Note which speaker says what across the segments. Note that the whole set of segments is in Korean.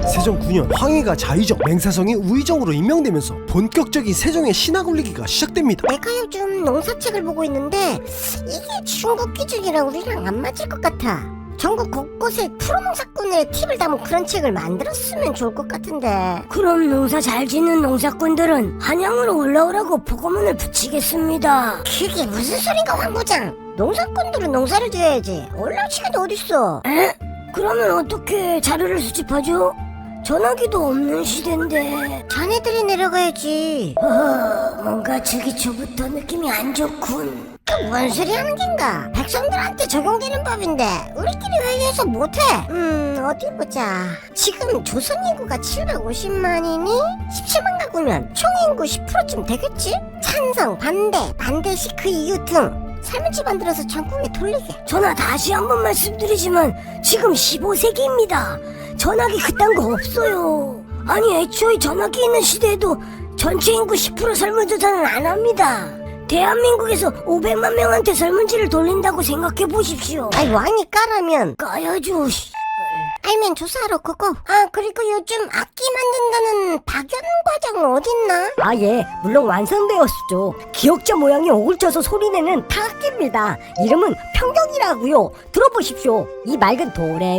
Speaker 1: 세종 9년 황희가 자의정, 맹사성이 우의정으로 임명되면서 본격적인 세종의 신화 굴리기가 시작됩니다.
Speaker 2: 내가 요즘 농사책을 보고 있는데 이게 중국 기준이랑 우리랑 안 맞을 것 같아. 전국 곳곳에 프로농사꾼의 팁을 담은 그런 책을 만들었으면 좋을 것 같은데.
Speaker 3: 그럼 농사 잘 짓는 농사꾼들은 한양으로 올라오라고 보고문을 붙이겠습니다.
Speaker 2: 그게 무슨 소린가 황 부장. 농사꾼들은 농사를 지어야지 올라올 시간이 어딨어.
Speaker 3: 에? 그러면 어떻게 자료를 수집하죠? 전화기도 없는 시대인데.
Speaker 2: 자네들이 내려가야지.
Speaker 3: 뭔가 주기 초부터 느낌이 안 좋군.
Speaker 2: 뭔 소리 하는 겐가? 백성들한테 적용되는 법인데 우리끼리 회의해서 못해. 어디 보자. 지금 조선 인구가 750만이니 17만 가구면 총 인구 10%쯤 되겠지? 찬성, 반대 시 그 이유 등 설문지 만들어서 전국에 돌리게.
Speaker 3: 전하, 다시 한번 말씀드리지만 지금 15세기입니다. 전화기 그딴 거 없어요. 아니, 애초에 전화기 있는 시대에도 전체 인구 10% 설문조사는 안 합니다. 대한민국에서 500만 명한테 설문지를 돌린다고 생각해 보십시오.
Speaker 2: 아이 왕이 까라면
Speaker 3: 까야죠.
Speaker 2: 알면 조사하러 그거. 아 그리고 요즘 악기 만든다는 박연 과장 어딨나?
Speaker 3: 아, 예, 물론 완성되었죠. 기억자 모양이 오글쳐서 소리내는 타악기입니다. 이름은 평경이라고요. 들어보십시오. 이 맑은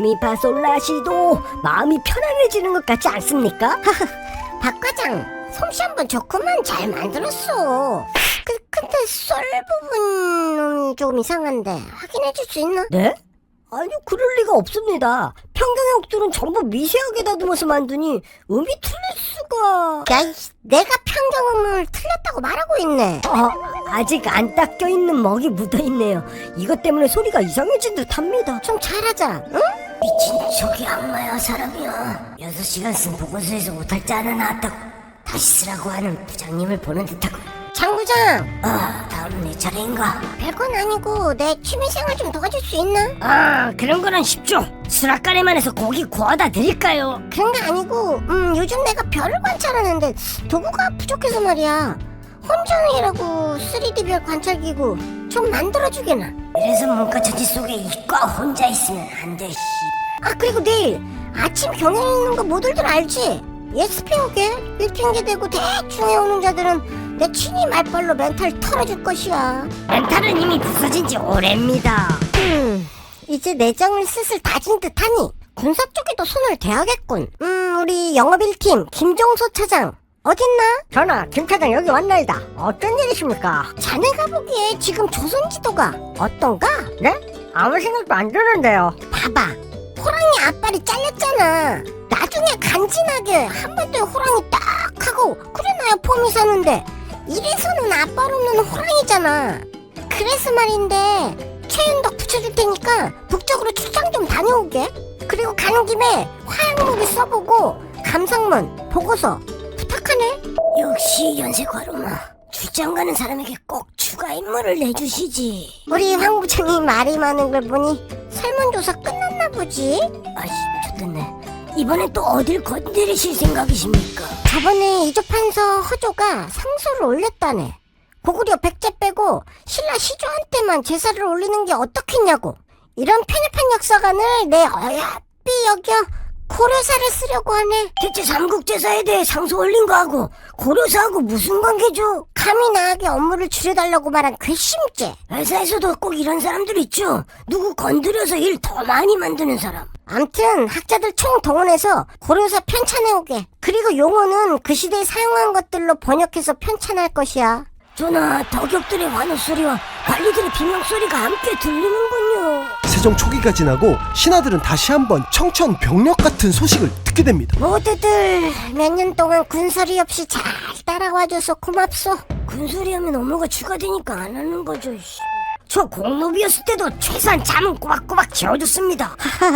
Speaker 3: 도레미파솔라시도 마음이 편안해지는 것 같지 않습니까?
Speaker 2: 박 과장 솜씨 한번 좋구만. 잘 만들었어. 근데 썰 부분이 조금 이상한데 확인해 줄 수 있나?
Speaker 3: 네? 아니요, 그럴 리가 없습니다. 평경의 옥들은 전부 미세하게 다듬어서 만드니 음이 틀릴 수가.
Speaker 2: 야, 내가 평경음을 틀렸다고 말하고 있네.
Speaker 3: 아직 안 닦여 있는 먹이 묻어 있네요. 이것 때문에 소리가 이상해진 듯합니다.
Speaker 2: 좀 잘하자, 응?
Speaker 3: 미친 척이 악마야 사람이야. 6시간 쓴 보고서에서 못할 자 하나 나왔다고 다시 쓰라고 하는 부장님을 보는 듯하고.
Speaker 2: 장 부장.
Speaker 3: 다음은 내 차례인가?
Speaker 2: 별건 아니고 내 취미생활 좀 도와줄 수 있나?
Speaker 3: 그런 거는 쉽죠. 수락가래만 해서 고기 구워다 드릴까요?
Speaker 2: 그런 게 아니고 요즘 내가 별을 관찰하는데 도구가 부족해서 말이야. 혼종이라고 3D 별 관찰기구 좀 만들어주게나.
Speaker 3: 이래서 문과천지 속에 이과 혼자 있으면 안 돼.
Speaker 2: 그리고 내일 아침 경연 있는 거 모두들 알지? 예습 해오게. 일핑계대고 대충 해오는 자들은 내 친히 말빨로 멘탈 털어줄 것이야.
Speaker 3: 멘탈은 이미 부서진 지 오래입니다.
Speaker 2: 이제 내정을 슬슬 다진 듯하니 군사 쪽에도 손을 대야겠군. 우리 영업 1팀 김종소 차장 어딨나?
Speaker 3: 전하, 김 차장 여기 왔나이다. 어떤 일이십니까?
Speaker 2: 자네가 보기에 지금 조선 지도가 어떤가?
Speaker 3: 네? 아무 생각도 안 드는데요.
Speaker 2: 봐봐, 호랑이 앞발이 잘렸잖아. 나중에 간지나게 한반도에 호랑이 딱 하고 그래놔야 폼이 사는데 이래서는 앞발 없는 호랑이잖아. 그래서 말인데 최윤덕 붙여줄 테니까 북쪽으로 출장 좀 다녀오게. 그리고 가는 김에 화양무비 써보고 감상문 보고서 부탁하네.
Speaker 3: 역시 연세과로마. 출장 가는 사람에게 꼭 추가 임무를 내주시지.
Speaker 2: 우리 황 부장이 말이 많은 걸 보니 설문조사 끝났나 보지?
Speaker 3: 아이씨, 좋겠네. 이번엔 또 어딜 건드리실 생각이십니까?
Speaker 2: 저번에 이조판서 허조가 상소를 올렸다네. 고구려 백제 빼고 신라 시조한테만 제사를 올리는 게 어떻겠냐고. 이런 편협한 역사관을 내 어야삐 여겨 고려사를 쓰려고 하네.
Speaker 3: 대체 삼국제사에 대해 상소 올린 거하고 고려사하고 무슨 관계죠?
Speaker 2: 감히 나에게 업무를 줄여달라고 말한 괘씸죄.
Speaker 3: 회사에서도 꼭 이런 사람들 있죠. 누구 건드려서 일 더 많이 만드는 사람.
Speaker 2: 암튼 학자들 총 동원해서 고려사 편찬해오게. 그리고 용어는 그 시대에 사용한 것들로 번역해서 편찬할 것이야.
Speaker 3: 전하, 덕역들의 환호소리와 관리들의 비명소리가 함께 들리는군요.
Speaker 1: 세종 초기가 지나고 신하들은 다시 한번 청천벽력 같은 소식을 듣게 됩니다.
Speaker 2: 모두들 몇 년 동안 군소리 없이 잘 따라와줘서 고맙소.
Speaker 3: 군소리 하면 업무가 추가되니까 안 하는 거죠. 저 공노비였을 때도 최소한 잠은 꼬박꼬박 재워줬습니다.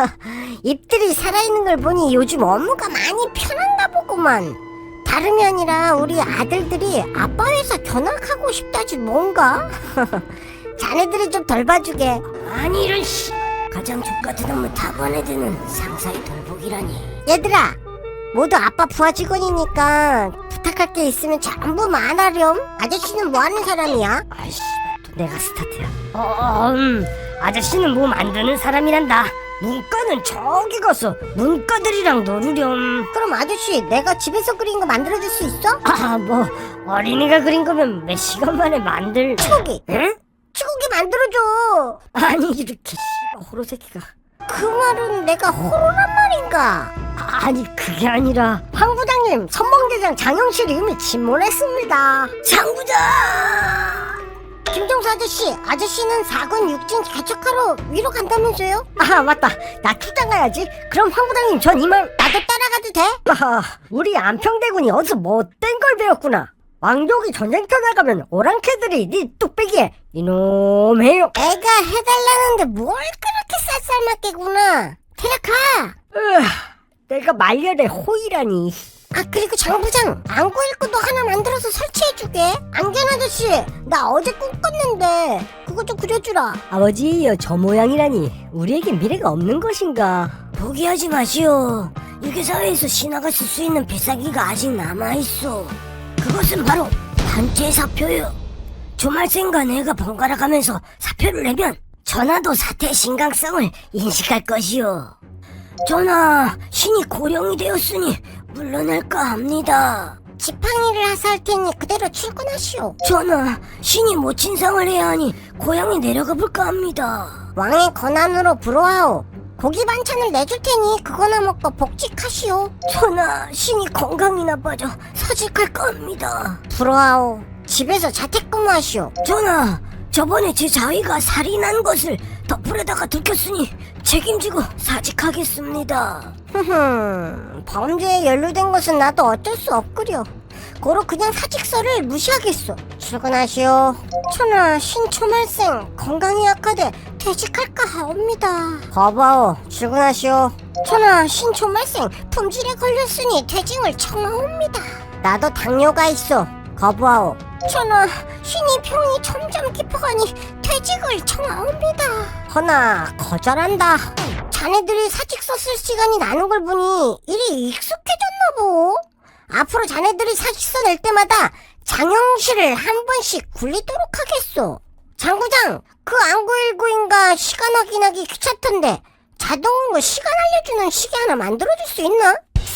Speaker 2: 입들이 살아있는 걸 보니 요즘 업무가 많이 편한가 보구만. 다름이 아니라 우리 아들들이 아빠 회사 견학하고 싶다지 뭔가? 자네들이 좀 덜 봐주게.
Speaker 3: 아니 이런 가장 족같은 업무 답안에 드는 상사의 돌보기라니.
Speaker 2: 얘들아, 모두 아빠 부하 직원이니까 부탁할 게 있으면 전부 말하렴. 아저씨는 뭐 하는 사람이야?
Speaker 3: 아이씨, 또 내가 스타트야. 아저씨는 뭐 만드는 사람이란다. 문과는 저기 가서 문과들이랑 놀으렴.
Speaker 2: 그럼 아저씨 내가 집에서 그린 거 만들어줄 수 있어?
Speaker 3: 뭐 어린이가 그린 거면 몇 시간 만에 만들.
Speaker 2: 치고기.
Speaker 3: 응?
Speaker 2: 치고기 만들어줘.
Speaker 3: 아니 이렇게 씨발 호로 새끼가.
Speaker 2: 그 말은 내가 호로란 말인가?
Speaker 3: 아니 그게 아니라
Speaker 2: 황 부장님 선봉대장 장영실이 이미 침몰했습니다.
Speaker 3: 장 부장.
Speaker 2: 김종수 아저씨는 4군 6진 개척하러 위로 간다면서요?
Speaker 3: 아 맞다, 나 출장 가야지. 그럼 황 부장님 전 이만.
Speaker 2: 나도 따라가도 돼?
Speaker 3: 우리 안평대군이 어디서 못된 걸 배웠구나. 왕족이 전쟁터 나가면 오랑캐들이 네 뚝배기에 이놈해요.
Speaker 2: 애가 해달라는데 뭘 그렇게 쌀쌀맞게구나. 데려가.
Speaker 3: 내가 말년에 호이라니.
Speaker 2: 아 그리고 장부장 안구 일구도 하나 만들어서 설치해주게. 안견 아저씨 나 어제 꿈 꿨는데 그거 좀 그려주라.
Speaker 3: 아버지 저 모양이라니 우리에게 미래가 없는 것인가.
Speaker 2: 포기하지 마시오. 유괴사회에서 신화가 쓸 수 있는 필살기가 아직 남아있어. 그것은 바로 단체 사표요. 주말생과 내가 번갈아 가면서 사표를 내면 전하도 사태의 심각성을 인식할 것이오. 전하, 신이 고령이 되었으니 물러날까 합니다. 지팡이를 하사할 테니 그대로 출근하시오. 전하, 신이 모친상을 해야 하니 고향에 내려가 볼까 합니다. 왕의 권한으로 불어하오. 고기 반찬을 내줄 테니 그거나 먹고 복직하시오. 전하, 신이 건강이 나빠져 사직할까 합니다. 불어하오. 집에서 자택근무하시오. 전하, 저번에 제 자위가 살인한 것을 덮으려다가 들켰으니 책임지고 사직하겠습니다. 범죄에 연루된 것은 나도 어쩔 수 없구려. 고로 그냥 사직서를 무시하겠소. 출근하시오. 천하 신초말생 건강이 악화돼 퇴직할까 하옵니다. 거부하오. 출근하시오. 천하 신초말생 품질에 걸렸으니 퇴직을 청하옵니다. 나도 당뇨가 있어. 거부하오. 천하 신이 병이 점점 깊어가니 퇴직을 청하옵니다. 허나 거절한다. 자네들이 사직서 쓸 시간이 나는 걸 보니 일이 익숙해졌나 보. 앞으로 자네들이 사직서 낼 때마다 장영실을 한 번씩 굴리도록 하겠소. 장부장, 그 안구일구인가 시간 확인하기 귀찮던데 자동으로 시간 알려주는 시계 하나 만들어줄 수 있나?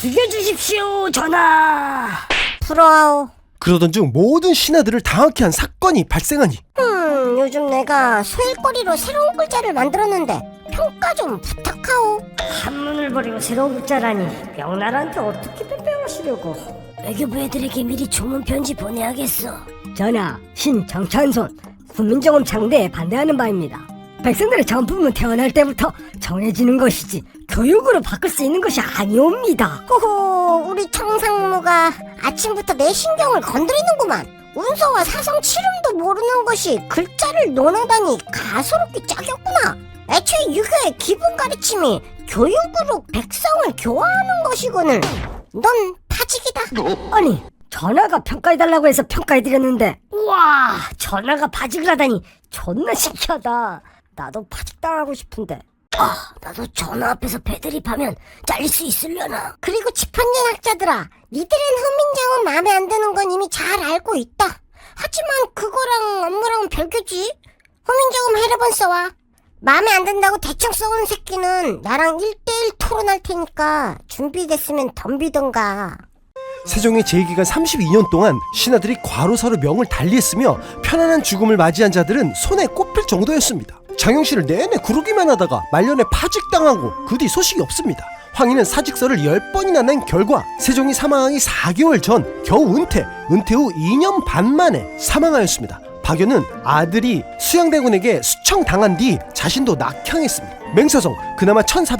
Speaker 3: 죽여주십시오 전하.
Speaker 2: 부러워.
Speaker 1: 그러던 중 모든 신하들을 당하게 한 사건이 발생하니
Speaker 2: 요즘 내가 소일거리로 새로운 글자를 만들었는데 평가 좀 부탁하오.
Speaker 3: 한문을 버리고 새로운 글자라니 명나라한테 어떻게 빼빼하시려고.
Speaker 2: 외교부 애들에게 미리 조문 편지 보내야겠어.
Speaker 3: 전하, 신정찬손 국민정음 창대에 반대하는 바입니다. 백성들의 전품은 태어날 때부터 정해지는 것이지 교육으로 바꿀 수 있는 것이 아니옵니다.
Speaker 2: 호호, 우리 청상무가 아침부터 내 신경을 건드리는구만. 운서와 사성 칠음도 모르는 것이 글자를 논하다니 가소롭게 짝이었구나. 애초에 유교의 기본 가르침이 교육으로 백성을 교화하는 것이거늘. 넌 파직이다.
Speaker 3: 아니, 전하가 평가해달라고 해서 평가해드렸는데 우와, 전하가 파직을 하다니 존나 신기하다. 나도 파직당하고 싶은데.
Speaker 2: 나도 전화 앞에서 배드립하면 잘릴 수 있으려나. 그리고 집현전 학자들아, 니들은 훈민정음 마음에 안 드는 건 이미 잘 알고 있다. 하지만 그거랑 업무랑은 별개지. 훈민정음 해를 번 써와. 마음에 안 든다고 대충 써오는 새끼는 나랑 1대1 토론할 테니까 준비됐으면 덤비던가.
Speaker 1: 세종의 재기간 32년 동안 신하들이 과로사로 명을 달리했으며 편안한 죽음을 맞이한 자들은 손에 꼽힐 정도였습니다. 장영실을 내내 구르기만 하다가 말년에 파직당하고 그 뒤 소식이 없습니다. 황희는 사직서를 10번이나 낸 결과 세종이 사망하기 4개월 전 겨우 은퇴 후 2년 반 만에 사망하였습니다. 박연은 아들이 수양대군에게 수청당한 뒤 자신도 낙향했습니다. 맹사성 그나마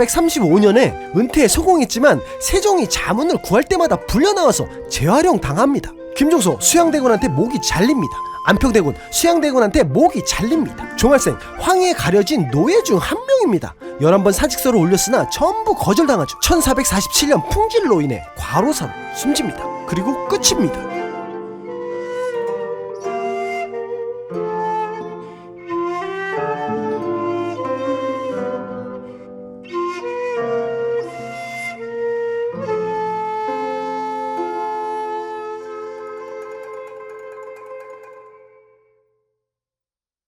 Speaker 1: 1435년에 은퇴에 성공했지만 세종이 자문을 구할 때마다 불려나와서 재활용 당합니다. 김종서 수양대군한테 목이 잘립니다. 안평대군 수양대군한테 목이 잘립니다. 종할생 황희에 가려진 노예 중 한 명입니다. 11번 사직서를 올렸으나 전부 거절당하죠. 1447년 풍질로 인해 과로사로 숨집니다. 그리고 끝입니다.